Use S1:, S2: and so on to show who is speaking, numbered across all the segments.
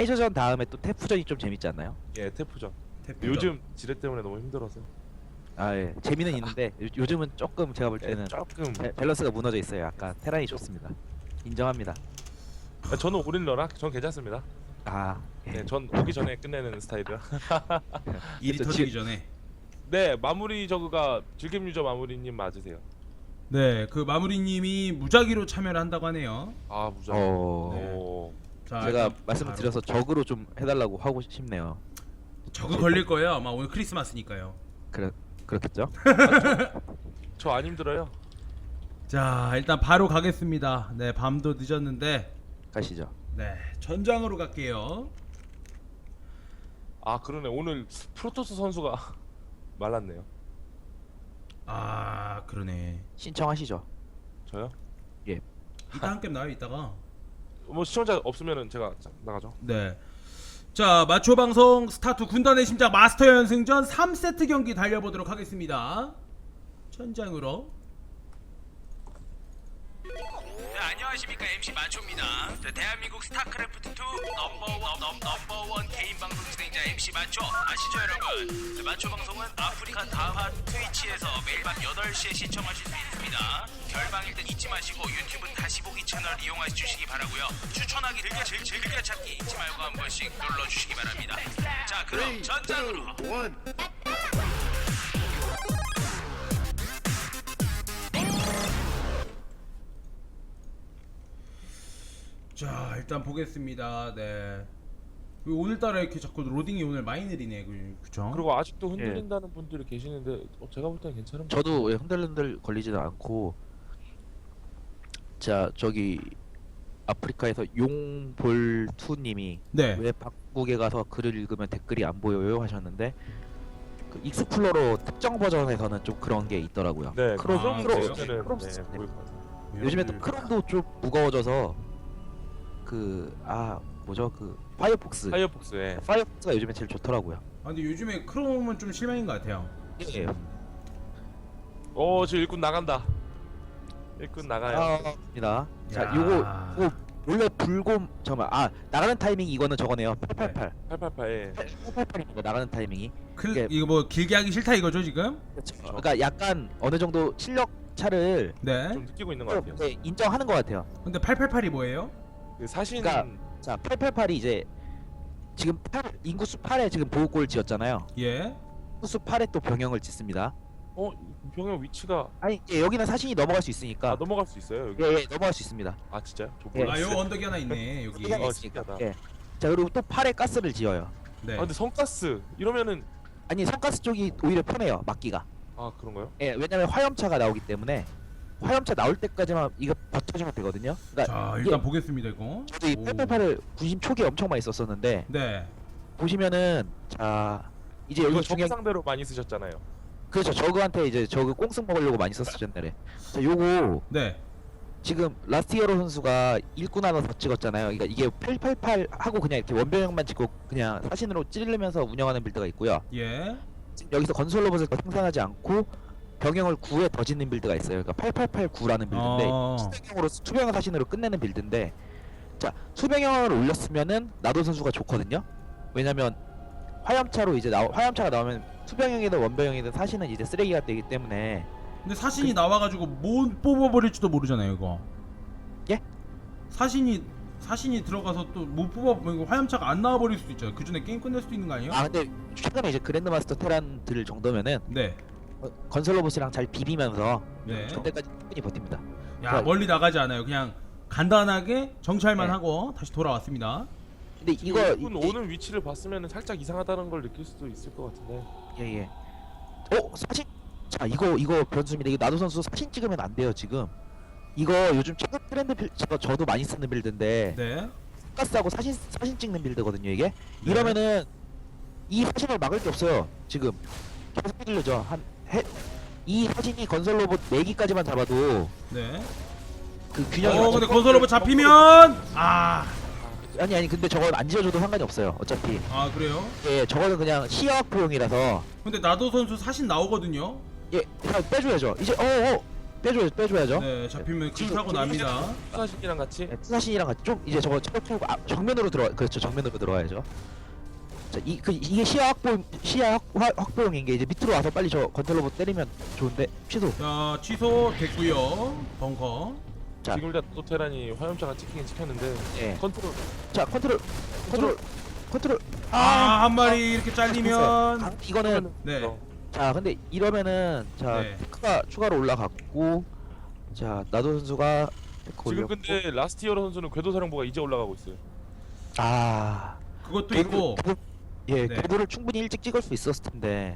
S1: 해저전 다음에 또 태프전이 좀 재밌지 않나요?
S2: 예, 태프전.
S3: 태풍.
S2: 요즘 지뢰 때문에 너무 힘들어서.
S1: 아 예, 재미는 있는데 요즘은 조금 제가 볼
S2: 예,
S1: 때는
S2: 조금.
S1: 밸런스가 무너져 있어요. 약간 테란이 좋습니다. 인정합니다.
S2: 아, 저는 오릴러라. 전 괜찮습니다.
S1: 아 예.
S2: 네, 전 오기 전에 끝내는 스타일이라.
S3: 일이
S1: 저
S3: 터지기 전에.
S2: 네, 마무리 저그가 즐겜 유저 마무리님 맞으세요.
S3: 네, 그 마무리님이 무작위로 참여를 한다고 하네요.
S2: 아, 무작.
S1: 어,
S3: 자,
S1: 제가
S3: 일단
S1: 말씀을
S3: 바로.
S1: 드려서 적으로 좀 해달라고 하고 싶네요.
S3: 저거 걸릴 거예요. 아마 오늘 크리스마스니까요.
S1: 그렇겠죠?
S2: 저 안 힘들어요.
S3: 자, 일단 바로 가겠습니다. 네, 밤도 늦었는데,
S1: 가시죠.
S3: 네, 전장으로 갈게요.
S2: 아, 그러네. 오늘 프로토스 선수가 말랐네요.
S3: 아, 그러네.
S1: 신청하시죠.
S2: 저요?
S3: 이따 한 게임 나요, 이따가.
S2: 뭐 시청자 없으면은 제가 나가죠.
S3: 네. 자, 마초 방송 스타트 군단의 심장 마스터 연승전 3세트 경기 달려보도록 하겠습니다. 전장으로.
S4: 네, 안녕하십니까 MC 마초입니다. 네, 대한민국 스타크래프트 2 넘버원 개인 방송 진행자 MC 마초 아시죠 여러분? 네, 마초 방송은 아프리카 다하 트위치에서 매일 밤 8시에 시청하실 수 있습니다. 결방일 땐 잊지 마시고 유튜브 다시 보기 채널 이용해 주시기 바라고요. 추천하기 즐겨 찾기 잊지 말고 한 번씩 눌러주시기 바랍니다. 자, 그럼 전장으로.
S3: 자, 일단 보겠습니다. 네. 오늘따라 이렇게 자꾸 로딩이 오늘 많이 느리네. 그죠?
S2: 그리고 아직도 흔들린다는 분들이 계시는데 제가 볼 때는 괜찮은 것
S1: 저도 흔들흔들 걸리지도 않고 자 저기 아프리카에서 용볼투님이
S3: 네.
S1: 왜 방국에 가서 글을 읽으면 댓글이 안 보여요 하셨는데 그 익스플로러 특정 버전에서는 좀 그런 게 있더라고요.
S2: 네,
S3: 그래요?
S2: 크롬
S1: 크롬
S2: 네,
S1: 시스템.
S2: 보일 것 같아요.
S1: 요즘에 또 크롬도 좀 무거워져서 그 뭐죠 그 파이어폭스가
S2: 파이어폭스에
S1: 요즘에 제일 좋더라고요.
S3: 아, 근데 요즘에 크롬은 좀 실망인 것 같아요.
S1: 예.
S2: 지금 일꾼 나간다. 일꾼 나가요.
S1: 입니다. 자,
S3: 야.
S1: 요거 원래 불곰 잠깐만 나가는 타이밍 이거는 저거네요. 888.
S2: 888에
S1: 888입니다. 나가는 타이밍이. 이게-
S3: 이거 뭐 길게 하기 싫다 이거죠 지금?
S1: 그러니까 약간 어느 정도 실력 차를
S3: 네.
S2: 좀 느끼고 있는 것 같아요.
S1: 네, 인정하는 것 같아요.
S3: 근데 888이 뭐예요?
S2: 그 사신
S1: 그러니까 자, 888이 이제 지금 인구수 8에 지금 보호골 지었잖아요.
S3: 예.
S1: 인구수 8에 또 병영을 짓습니다.
S2: 병영 위치가
S1: 아니 여기는 사신이 넘어갈 수 있으니까
S2: 넘어갈 수 있어요 여기.
S1: 예, 넘어갈 수 있습니다.
S2: 아 진짜요? 저
S1: 예.
S3: 아,
S2: 몰랐어요.
S3: 요 언덕이 하나 있네 여기.
S1: 여기가 있으니까.
S2: 신기하다.
S1: 예. 자 그리고 또 8에 가스를 지어요.
S3: 네.
S2: 아 근데 성가스 이러면은
S1: 아니 성가스 쪽이 오히려 편해요. 막기가.
S2: 아 그런가요?
S1: 예, 왜냐면 화염차가 나오기 때문에 화염차 나올 때까지만 이거 버텨주면 되거든요. 그러니까
S3: 자,
S1: 이게
S3: 일단 보겠습니다 이거.
S1: 저도 이
S3: 오.
S1: 888을 군심 초기에 엄청 많이 썼었는데
S3: 네.
S1: 보시면은 자 이제 여기
S2: 이거
S1: 중요한
S2: 적상대로 많이 쓰셨잖아요.
S1: 그렇죠. 저그한테 이제 저그 꽁승 먹으려고 많이 썼었죠 옛날에. 자 요거
S3: 네.
S1: 지금 라스티어로 선수가 일꾼 하나 더 찍었잖아요. 그러니까 이게 888 하고 그냥 이렇게 원병력만 찍고 그냥 사신으로 찌르면서 운영하는 빌드가 있고요.
S3: 예.
S1: 지금 여기서 건설 로봇을 더 생산하지 않고 병영을 9에 더 짓는 빌드가 있어요. 그러니까 8889라는 빌드인데 수병형으로 수병형 사신으로 끝내는 빌드인데 자 수병형을 올렸으면은 나도 선수가 좋거든요. 왜냐면 화염차로 이제 화염차가 나오면 수병형이든 원병형이든 사신은 이제 쓰레기가 되기 때문에
S3: 근데 사신이 나와가지고 뭐 뽑아버릴지도 모르잖아요 이거.
S1: 예?
S3: 사신이 들어가서 또 못 뽑아 화염차가 안 나와버릴 수도 있잖아요. 그 전에 게임 끝낼 수도 있는 거 아니에요?
S1: 근데 최근에 이제 그랜드마스터 테란 들 정도면은
S3: 네.
S1: 건설 로봇이랑 잘 비비면서
S3: 네.
S1: 그때까지 충분히 버팁니다.
S3: 야, 멀리 나가지 않아요. 그냥 간단하게 정찰만
S1: 네.
S3: 하고 다시 돌아왔습니다.
S1: 근데 이거
S2: 일꾼 오는 위치를 봤으면 살짝 이상하다는 걸 느낄 수도 있을 것 같은데.
S1: 예예. 사신 자 이거 변수입니다. 이거 나도 선수 사신 찍으면 안 돼요 지금. 이거 요즘 최근 트렌드 저도 많이 쓰는 빌드인데
S3: 네.
S1: 가스하고 사신 찍는 빌드거든요 이게. 이러면은 이 사신을 막을 게 없어요 지금. 계속 휘둘려져 이 사신이 건설 로봇 4기까지만 잡아도
S3: 네.
S1: 그 균형이
S3: 근데 건설 로봇 잡히면
S1: 아니 근데 저건 안 지어줘도 상관이 없어요 어차피.
S3: 그래요?
S1: 예 저거는 그냥 시야학포용이라서
S3: 근데 나도 선수 사신 나오거든요.
S1: 예 그냥 빼줘야죠 이제 빼줘야죠.
S3: 네, 잡히면 킬타고 납니다.
S2: 사신이랑 같이
S1: 투사신이랑 같이 좀 이제 저거 체력 정면으로 그렇죠. 정면으로 들어와야죠. 자, 이게 시야 확보용인 게 이제 밑으로 와서 빨리 저 건틀로버 때리면 좋은데 취소.
S3: 자, 취소 됐고요. 벙커.
S1: 자.
S2: 지금 일단 또 테란이 화염차가 찍히긴 찍혔는데
S1: 예.
S2: 컨트롤
S1: 자, 컨트롤.
S3: 아, 한 마리 이렇게 잘리면
S1: 이거는
S3: 네.
S1: 자, 근데 이러면은 자,
S3: 네.
S1: 테크가 추가로 올라갔고 자, 나도 선수가 테크
S2: 지금
S1: 올렸고
S2: 근데 라스티어로 선수는 궤도사령부가 이제 올라가고 있어요.
S1: 아,
S3: 그것도 있고
S1: 예,
S3: 네.
S1: 궤도를 충분히 일찍 찍을 수 있었을 텐데.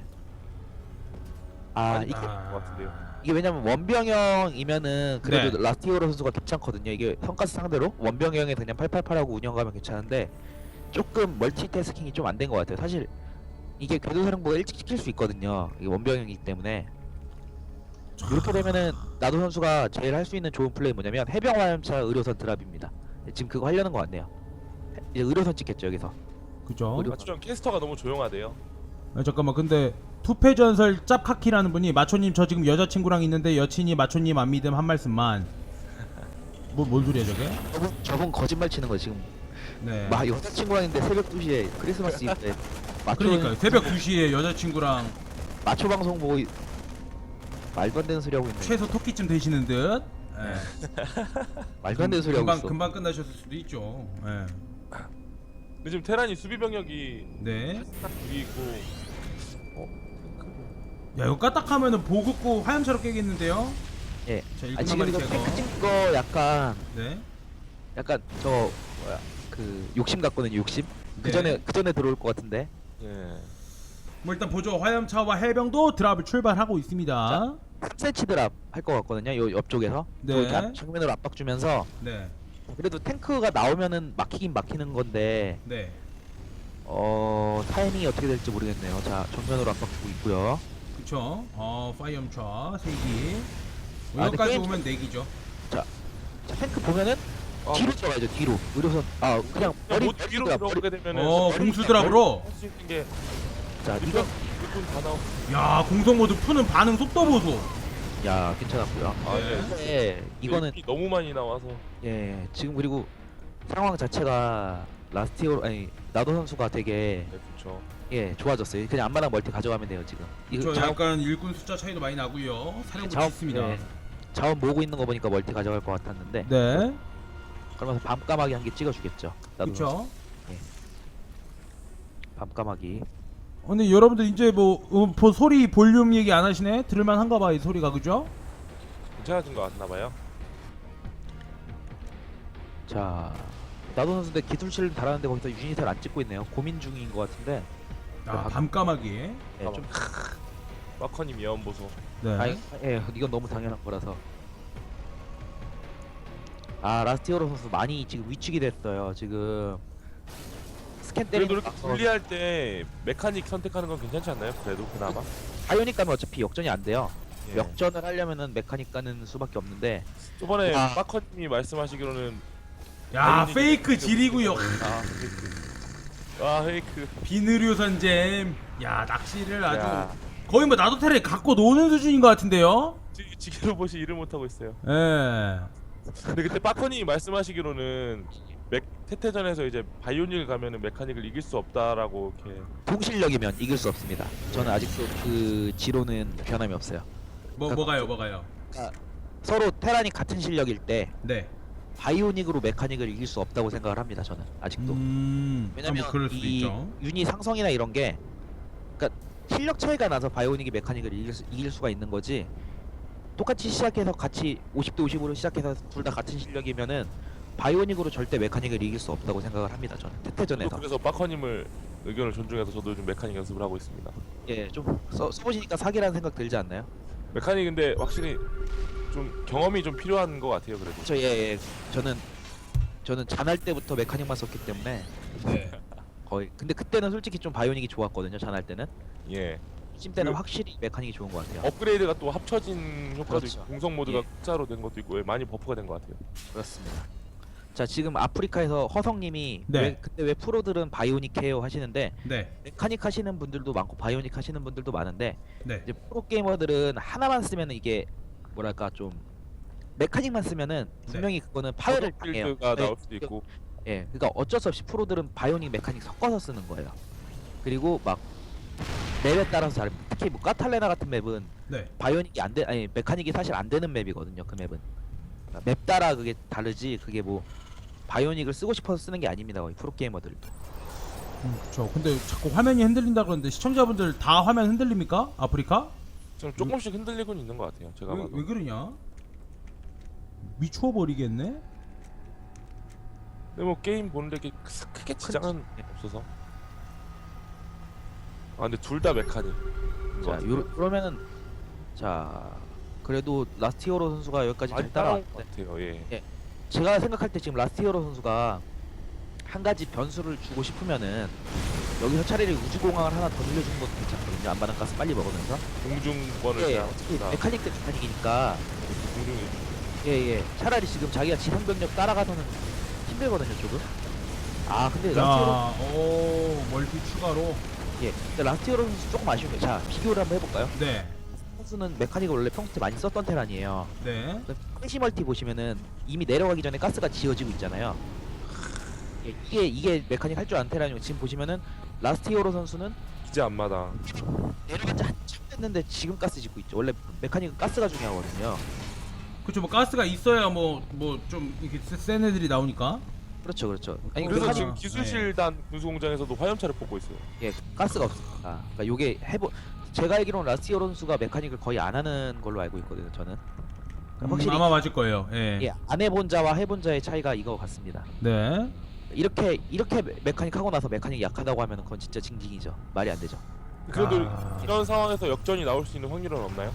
S1: 아,
S2: 아니,
S1: 이게
S2: 것 같은데요.
S1: 이게 왜냐면 원병형이면은 그래도
S3: 네.
S1: 라스티오로 선수가 괜찮거든요. 이게 성가스 상대로 원병형에 그냥 888하고 운영가면 괜찮은데 조금 멀티태스킹이 좀 안 된 것 같아요. 사실 이게 궤도사령부가 일찍 시킬 수 있거든요. 이게 원병형이기 때문에 이렇게 되면은 나도 선수가 제일 할 수 있는 좋은 플레이 뭐냐면 해병 화염차 의료선 드랍입니다. 지금 그거 하려는 것 같네요. 이제 의료선 찍겠죠 여기서.
S3: 그죠?
S2: 마초형 캐스터가 너무 조용하대요.
S3: 아, 잠깐만 근데 투패전설 짭카키라는 분이 마초님 저 지금 여자친구랑 있는데 여친이 마초님 안 믿음 한 말씀만. 뭔 소리야 저게?
S1: 저분 거짓말 치는 거 지금.
S3: 네.
S1: 막 여자친구랑 있는데 새벽 2시에 크리스마스 이브 때
S3: 그러니까 새벽 2시에 여자친구랑
S1: 마초 방송 보고 말도 안 되는 소리 하고 있네.
S3: 최소 토끼쯤 되시는 듯. 네.
S1: 말도 안 되는 소리 하고 있어.
S3: 금방 끝나셨을 수도 있죠. 네.
S2: 근데 지금 테란이 수비 병력이
S3: 네.
S2: 딱 둘이 있고
S3: 야 이거 까딱하면은 보급고 화염차로 깨겠는데요?
S1: 예.
S3: 자
S1: 아,
S3: 1분만
S1: 지금
S3: 만에
S1: 이거
S3: 제거.
S1: 탱크 찍거
S3: 네.
S1: 약간 저 뭐야 그 욕심 같거든요. 욕심.
S3: 네.
S1: 그 전에 들어올 것 같은데.
S2: 예.
S3: 뭐 일단 보죠. 화염차와 해병도 드랍을 출발하고 있습니다.
S1: 3cm 드랍 할 것 같거든요. 요 옆쪽에서.
S3: 네.
S1: 이렇게 정면으로 압박 주면서
S3: 네.
S1: 그래도 탱크가 나오면은 막히긴 막히는 건데
S3: 네.
S1: 타이밍이 어떻게 될지 모르겠네요. 자, 정면으로 압박 주고 있고요.
S3: 그쵸. 파이엄차 3기.
S1: 아,
S3: 여기까지
S1: 게임-
S3: 오면 4기죠.
S1: 자, 탱크 보면은 뒤로 들어가야죠. 뒤로. 의료선 그냥 머리
S2: 못 뒤로 들어오게 되면은
S3: 공수 드랍으로.
S2: 할수 있는 게
S1: 자,
S2: 이거
S1: 이거
S2: 일꾼 다 나오.
S3: 야 공성 모드 푸는 반응 속도 보소.
S1: 야, 괜찮았고요.
S2: 아,
S3: 네.
S2: 네.
S1: 근데 이거는
S2: 이 너무 많이 나와서
S1: 예, 지금 그리고 상황 자체가 라스티오 아니 나도 선수가 되게
S2: 네, 그렇죠.
S1: 예 좋아졌어요. 그냥 안마랑 멀티 가져가면 돼요 지금.
S3: 저
S1: 자원,
S3: 약간 일꾼 숫자 차이도 많이 나고요. 사령부
S1: 자원-
S3: 좋습니다.
S1: 예, 자원 모으고 있는 거 보니까 멀티 가져갈 것 같았는데
S3: 네.
S1: 그러면서 밤까마귀 한 개 찍어주겠죠. 나도 선수.
S3: 그렇죠.
S1: 밤까마귀.
S3: 근데 여러분들 이제 소리 볼륨 얘기 안 하시네? 들을만 한가 봐 이 소리가 그죠?
S2: 괜찮아진 것 같나 봐요.
S1: 자, 나도 선수인데 기술실을 달았는데 거기서 유닛을 안 찍고 있네요. 고민 중인 것 같은데.
S3: 밤까마귀.
S1: 예, 좀
S2: 마커님 예언 보소.
S3: 네.
S1: 아니, 예, 이건 너무 당연한 거라서. 라스티오로 선수 많이 지금 위축이 됐어요. 지금 스캔
S2: 그래도
S1: 때리는
S2: 이렇게 분리할 때 메카닉 선택하는 건 괜찮지 않나요? 그래도 그나마.
S1: 바이오닉 가면 어차피 역전이 안 돼요.
S2: 예.
S1: 역전을 하려면은 메카닉 가는 수밖에 없는데.
S2: 저번에
S1: 아.
S2: 마커님이 말씀하시기로는
S3: 야
S2: 바이오닉이-
S3: 페이크 지리구요.
S2: 페이크.
S3: 비누류 선잼. 야 낚시를 아주
S2: 야,
S3: 거의 뭐 나도테를 갖고 노는 수준인 것 같은데요?
S2: 지게로 보시 일을 못 하고 있어요.
S3: 예.
S2: 근데 그때 빠커님이 말씀하시기로는 테테전에서 이제 바이오닉을 가면은 메카닉을 이길 수 없다라고 이렇게.
S1: 동실력이면 이길 수 없습니다. 저는 아직도 그 지로는 변함이 없어요.
S3: 뭐가요?
S1: 서로 테란이 같은 실력일 때
S3: 네.
S1: 바이오닉으로 메카닉을 이길 수 없다고 생각을 합니다. 저는 아직도. 왜냐면
S3: 뭐 그럴 수도
S1: 이
S3: 있죠.
S1: 유닛 상성이나 이런 게 그러니까 실력 차이가 나서 바이오닉이 메카닉을 이길 수가 있는 거지. 똑같이 시작해서 같이 50대 50으로 시작해서 둘 다 같은 실력이면은 바이오닉으로 절대 메카닉을 이길 수 없다고 생각을 합니다. 저는 테테전에서.
S2: 그래서 빠커님을 의견을 존중해서 저도 요즘 메카닉 연습을 하고 있습니다.
S1: 예, 좀 써보시니까 사기라는 생각 들지 않나요?
S2: 메카닉 근데 확실히 좀 경험이 좀 필요한 것 같아요. 그래도.
S1: 예. 저는 잔할 때부터 메카닉만 썼기 때문에
S3: 네.
S1: 거의. 근데 그때는 솔직히 좀 바이오닉이 좋았거든요. 잔할 때는.
S2: 예.
S1: 심 때는
S2: 그-
S1: 확실히 메카닉이 좋은 것 같아요.
S2: 업그레이드가 또 합쳐진 효과도
S1: 그렇죠.
S2: 있고 공성 모드가
S1: 예.
S2: 흑자로 된 것도 있고 많이 버프가 된 것 같아요.
S1: 그렇습니다. 자, 지금 아프리카에서 허성님이
S3: 네.
S1: 근데 왜 프로들은 바이오닉 해요 하시는데
S3: 네.
S1: 메카닉 하시는 분들도 많고 바이오닉 하시는 분들도 많은데
S3: 네.
S1: 이제 프로 게이머들은 하나만 쓰면 이게 뭐랄까 좀 메카닉만 쓰면은 분명히 그거는 파열을 당해요.
S2: 빌드가 나올 수도 있고.
S1: 예, 그러니까 어쩔 수 없이 프로들은 바이오닉 메카닉 섞어서 쓰는 거예요. 그리고 막 맵에 따라서 다릅니다. 특히 뭐 까탈레나 같은 맵은
S3: 네.
S1: 바이오닉이 안 돼, 아니 메카닉이 사실 안 되는 맵이거든요. 그 맵은 그러니까 맵 따라 그게 다르지. 그게 뭐 바이오닉을 쓰고 싶어서 쓰는 게 아닙니다. 거의 프로 게이머들도.
S3: 그렇죠. 근데 자꾸 화면이 흔들린다 그러는데 시청자분들 다 화면 흔들립니까? 아프리카?
S2: 좀 조금씩 흔들리곤 있는 것 같아요. 제가 봐도.
S3: 왜 그러냐? 미추어 버리겠네.
S2: 근데 뭐 게임 보는데 이렇게 크게 지장은 없어서. 아 근데 둘 다 메카닉.
S1: 자, 그러면은 자 그래도 라스트 히어로 선수가 여기까지 잘
S2: 많이 따라온
S1: 따라왔는데
S2: 것 같아요. 예.
S1: 제가 생각할 때 지금 라스트 히어로 선수가 한 가지 변수를 주고 싶으면은 여기서 차라리 우주공항을 하나 더 늘려주는 것도 괜찮거든요. 안바닥 가스 빨리 먹으면서.
S2: 공중권을
S1: 예,
S2: 그냥
S1: 어차피
S2: 다
S1: 메카닉 대 메카닉이니까
S2: 공중이.
S1: 예예 차라리 지금 자기가 지상병력 따라가서는 힘들거든요 조금. 아 근데 라스트
S3: 자,
S1: 히어로
S3: 오 멀티 추가로.
S1: 예 근데 라스트 히어로 선수 조금 아쉬운 게 자 비교를 한번 해볼까요?
S3: 네,
S1: 선수는 메카닉을 원래 평소에 많이 썼던 테란이에요.
S3: 네.
S1: 프레시 멀티 보시면은 이미 내려가기 전에 가스가 지어지고 있잖아요. 예, 이게 메카닉 할 줄 아는 테란이고 지금 보시면은 라스트 히어로 선수는
S2: 기재 앞마당.
S1: 내려간 지 한참 됐는데 지금 가스 짓고 있죠. 원래 메카닉은 가스가 중요하거든요.
S3: 그렇죠. 뭐 가스가 있어야 뭐 좀 이렇게 센 애들이 나오니까.
S1: 그렇죠, 그렇죠. 아니
S2: 그래서
S3: 그러잖아.
S2: 지금 기술실단 군수공장에서도 화염차를 뽑고 있어요.
S1: 예, 가스가 없으니까. 그러니까 요게 제가 알기로는 라스트 히어로 선수가 메카닉을 거의 안 하는 걸로 알고 있거든요. 저는. 그러니까 확실히
S3: 아마 맞을 거예요. 예.
S1: 예, 안 해본 자와 해본 자의 차이가 이거 같습니다.
S3: 네.
S1: 이렇게 메카닉 하고 나서 메카닉 약하다고 하면 그건 진짜 징징이죠. 말이 안 되죠.
S2: 그래도
S3: 아.
S2: 이런 상황에서 역전이 나올 수 있는 확률은 없나요?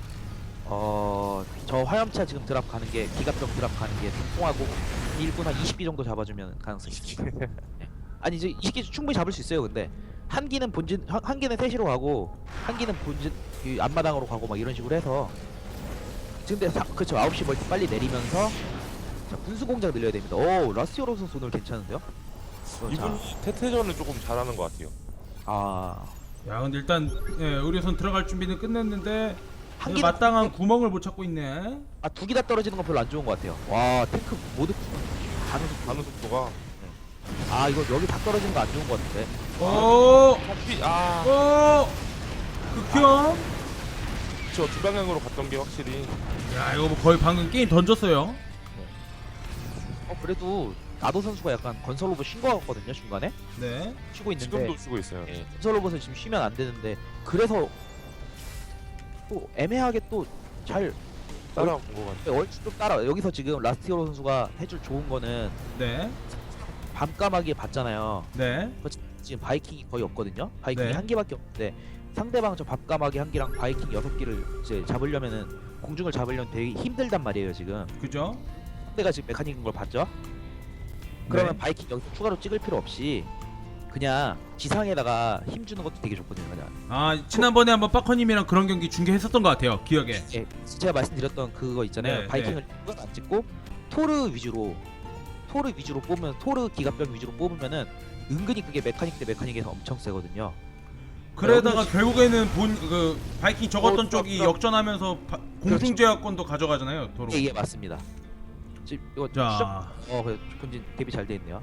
S1: 저 화염차 지금 드랍 가는 게 기갑병 드랍 가는 게 통하고 1분 한 20기 정도 잡아주면 가능성이 있습니다. 아니 이제 20기 충분히 잡을 수 있어요. 근데 한 기는 본진 한 기는 세시로 가고 한 기는 본진 이 앞마당으로 가고 막 이런 식으로 해서 지금 근데 그렇죠 9시 멀티 빨리 내리면서 자 군수 공장 늘려야 됩니다. 오 라스트 히어로 선수 오늘 괜찮은데요?
S2: 이분이 태태전을 조금 잘하는 것 같아요.
S1: 아
S3: 야, 근데 일단 예, 의료선 들어갈 준비는 끝냈는데
S1: 한
S3: 그
S1: 기는
S3: 마땅한 구멍을 못 찾고 있네.
S1: 두 기 다 떨어지는 건 별로 안 좋은 것 같아요. 와 탱크 모두 가는 속도.
S2: 가는 속도가.
S1: 아 이거 여기 다 떨어지는 거 안 좋은 것 같은데.
S3: 오,
S2: 아,
S3: 극혐.
S2: 저 두 방향으로 갔던 게 확실히.
S3: 야, 이거 뭐 거의 방금 게임 던졌어요.
S1: 그래도 나도 선수가 약간 건설 로봇 쉰 거 같거든요 중간에
S3: 네.
S1: 쉬고 있는데
S2: 지금도 쓰고 있어요.
S1: 예, 건설 로봇을 지금 쉬면 안 되는데 그래서 또 애매하게 또 잘
S2: 따라온 것 같아요.
S1: 얼추 좀 따라 여기서 지금 라스트 히어로 선수가 해줄 좋은 거는
S3: 네.
S1: 밤까마귀 봤잖아요.
S3: 네.
S1: 지금 바이킹이 거의 없거든요. 바이킹이
S3: 네.
S1: 한 개밖에 없는데 상대방 저 밤까마귀 한 개랑 바이킹 6개를 이제 잡으려면은 공중을 잡으려면 되게 힘들단 말이에요 지금.
S3: 그죠?
S1: 상대가 지금 메카닉인 걸 봤죠? 그러면
S3: 네.
S1: 바이킹 여기서 추가로 찍을 필요 없이 그냥 지상에다가 힘 주는 것도 되게 좋거든요. 그냥.
S3: 아, 지난번에 한번 빠커님이랑 그런 경기 중계했었던 것 같아요. 기억에.
S1: 예, 제가 말씀드렸던 그거 있잖아요.
S3: 네,
S1: 바이킹을 안 찍고 토르 위주로 뽑으면 토르 기갑병 위주로 뽑으면은 은근히 그게 메카닉 대 메카닉에서 엄청 세거든요.
S3: 그러다가
S1: 여기서
S3: 결국에는 그 바이킹 적었던 쪽이
S2: 그렇죠.
S3: 역전하면서 공중제약권도 가져가잖아요. 도로.
S1: 예, 맞습니다. 지금 이거
S3: 자.
S1: 그래 본진 대비 잘 돼 있네요.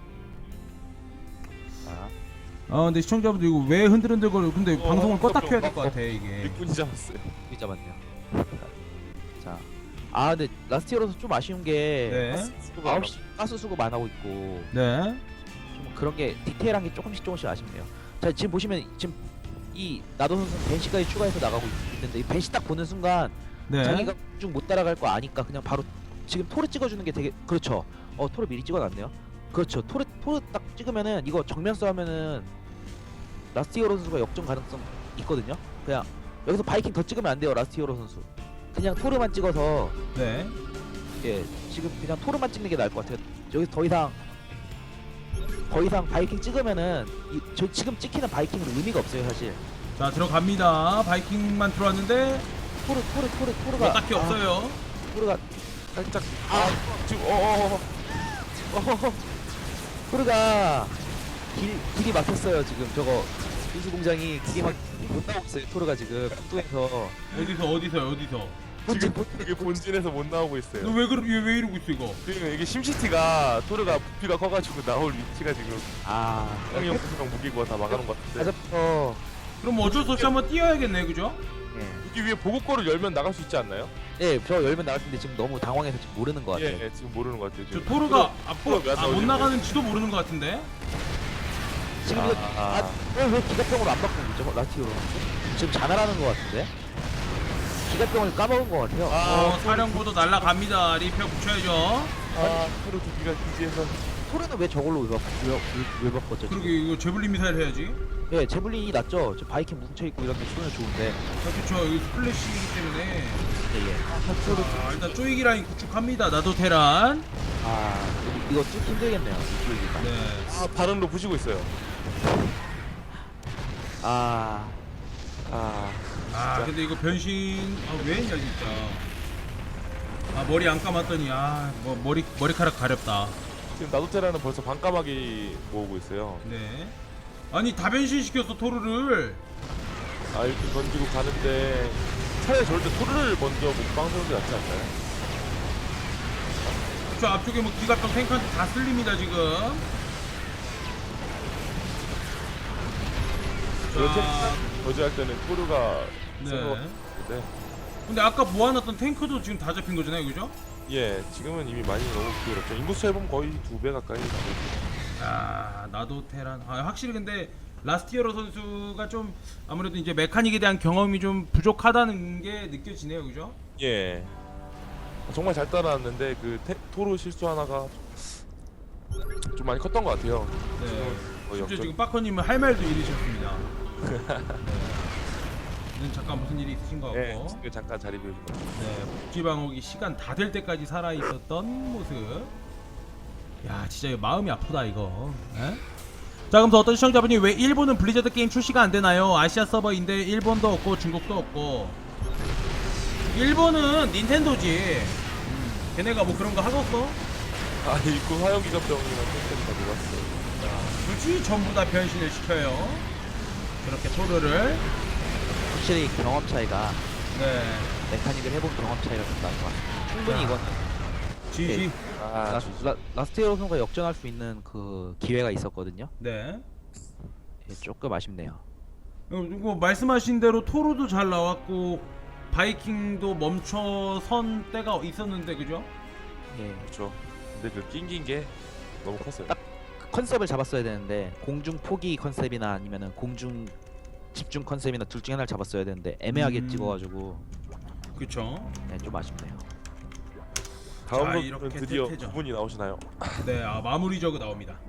S1: 자,
S3: 근데 시청자분들 이거 왜 흔들흔들거려? 근데 방송을 껐다 켜야 될 것 같아 이게.
S2: 일꾼이 잡았어요.
S1: 여기 잡았네요. 자, 근데 라스트 히어로서 좀 아쉬운 게
S3: 네.
S1: 9시 가스 수급 안 하고 있고
S3: 네.
S1: 좀 그런 게 디테일한 게 조금씩 아쉽네요. 자 지금 보시면 지금 이 나도 선수 벤시까지 추가해서 나가고 있는데 이 벤시 딱 보는 순간
S3: 네.
S1: 자기가 쭉 못 따라갈 거 아니까 그냥 바로 지금 토르 찍어주는 게 되게 그렇죠. 토르 미리 찍어놨네요. 그렇죠. 토르 딱 찍으면은 이거 정면 싸우면은 라스트 히어로 선수가 역전 가능성 있거든요. 그냥 여기서 바이킹 더 찍으면 안 돼요. 라스트 히어로 선수 그냥 토르만 찍어서
S3: 네.
S1: 예 지금 그냥 토르만 찍는 게 나을 것 같아요. 여기서 더 이상 바이킹 찍으면은 저 지금 찍히는 바이킹은 의미가 없어요 사실.
S3: 자, 들어갑니다. 바이킹만 들어왔는데
S1: 토르가
S3: 뭐 딱히 없어요.
S1: 토르가
S2: 살짝. 지금
S1: 토르가 길이 막혔어요 지금. 저거 군수 공장이 길이 못 나오고 있어요. 토르가 지금 뚱뚱해서
S3: 어디서?
S2: 지금 이게 본진에서 못 나오고 있어요.
S3: 너 왜 이러고 있어 이거?
S2: 지금 이게 심시티가 토르가 부피가 커가지고 나올 위치가 지금
S1: 아
S2: 형형 구수랑 무기고 다 막아놓은 것 같은데.
S1: 아직부터
S3: 그럼 어쩔 수 없이 한번 뛰어야겠네, 그죠?
S1: 예.
S2: 여기 위에 보급고를 열면 나갈 수 있지 않나요?
S1: 예, 저 열면 나갈 텐데 지금 너무 당황해서 지금 모르는 것 같아요.
S2: 예, 지금 모르는 것 같아요.
S3: 저
S2: 지금.
S3: 토르가
S2: 토르가 왜 안
S3: 못
S2: 나오지?
S3: 나가는지도 모르는 것 같은데.
S1: 지금 이거 왜 기갑병으로 안 바꾸고 있죠? 라티오로 지금 자멸하는 것 같은데? 기갑병을 까먹은 것 같아요.
S3: 사령부도 날라갑니다. 리페어 붙여야죠.
S2: 토르 두 기가 기지에서
S1: 토르는 왜 저걸로 왜 바꿨죠?
S3: 그리고
S1: 지금?
S3: 이거 제블린 미사일 해야지.
S1: 예, 제블린이 낫죠. 저 바이킹 뭉쳐있고 이런 게 쏘면 좋은데.
S3: 그렇죠. 이거 스플래시이기 때문에.
S1: 예.
S3: 일단 쪼이기 라인 구축합니다. 나도 테란.
S1: 이거 쭉 힘들겠네요. 이쪽이니까.
S3: 네.
S2: 발언로 부시고 있어요.
S3: 근데 이거 변신 왜 했냐 진짜. 머리 안 감았더니 뭐 머리카락 가렵다.
S2: 지금 나도테라는 벌써 반까마귀 모으고 있어요.
S3: 네. 아니 다 변신시켰어 토르를.
S2: 이렇게 던지고 가는데 차라리 저럴 때 토르를 먼저 목방서는 게 낫지 않나요?
S3: 저 앞쪽에 뭐 기갑병 탱크한테 다 쓸립니다 지금.
S2: 그렇게
S3: 자,
S2: 저지할 때는 토르가
S3: 네.
S2: 생각했는데
S3: 근데 아까 모아놨던 탱크도 지금 다 잡힌 거잖아요, 그죠?
S2: 예, 지금은 이미 많이 너무 기울었죠. 인구수 해보면 거의 2배 가까이 나오죠.
S3: 나도 테란. 확실히 근데 라스티어로 선수가 좀 아무래도 이제 메카닉에 대한 경험이 좀 부족하다는 게 느껴지네요, 그죠?
S2: 예, 정말 잘 따라왔는데 그 토르 실수 하나가 좀 많이 컸던 것 같아요.
S3: 네.
S2: 거의
S3: 심지어
S2: 역전.
S3: 지금 빠커님은 할 말도 잃으셨습니다. 네. 잠깐 무슨 일이 있으신 것 같고.
S2: 예, 지금 잠깐 자리 비우신 것 같아요.
S3: 네, 복지방어기 시간 다 될 때까지 살아 있었던 모습. 야, 진짜 이거 마음이 아프다 이거. 에? 자, 그럼 또 어떤 시청자분이 왜 일본은 블리자드 게임 출시가 안 되나요? 아시아 서버인데 일본도 없고 중국도 없고. 일본은 닌텐도지. 걔네가 뭐 그런 거 하겠어?
S2: 입구 화염기갑병이랑 탱크를 다 녹았어요.
S3: 굳이 전부 다 변신을 시켜요. 저렇게 토르를.
S1: 확실히 경험 차이가
S3: 네.
S1: 메카닉을 해본 경험 차이가 좀 나는 것 같아요. 충분히 이거는
S3: 지지.
S1: 라스티오 선수가 역전할 수 있는 그 기회가 있었거든요.
S3: 네.
S1: 예, 조금 아쉽네요.
S3: 이거 말씀하신 대로 토르도 잘 나왔고 바이킹도 멈춰선 때가 있었는데 그죠?
S1: 예.
S2: 그렇죠. 근데 그 낑긴 게 너무 컸어요.
S1: 딱 그 컨셉을 잡았어야 되는데 공중 포기 컨셉이나 아니면은 공중 집중 컨셉이나 둘 중에 하나를 잡았어야 되는데 애매하게 찍어가지고
S3: 그쵸?
S1: 네, 좀 아쉽네요.
S2: 다음
S3: 자,
S2: 분
S3: 이렇게
S2: 드디어
S3: 태태전.
S2: 두 분이 나오시나요?
S3: 네, 마무리 저그 나옵니다.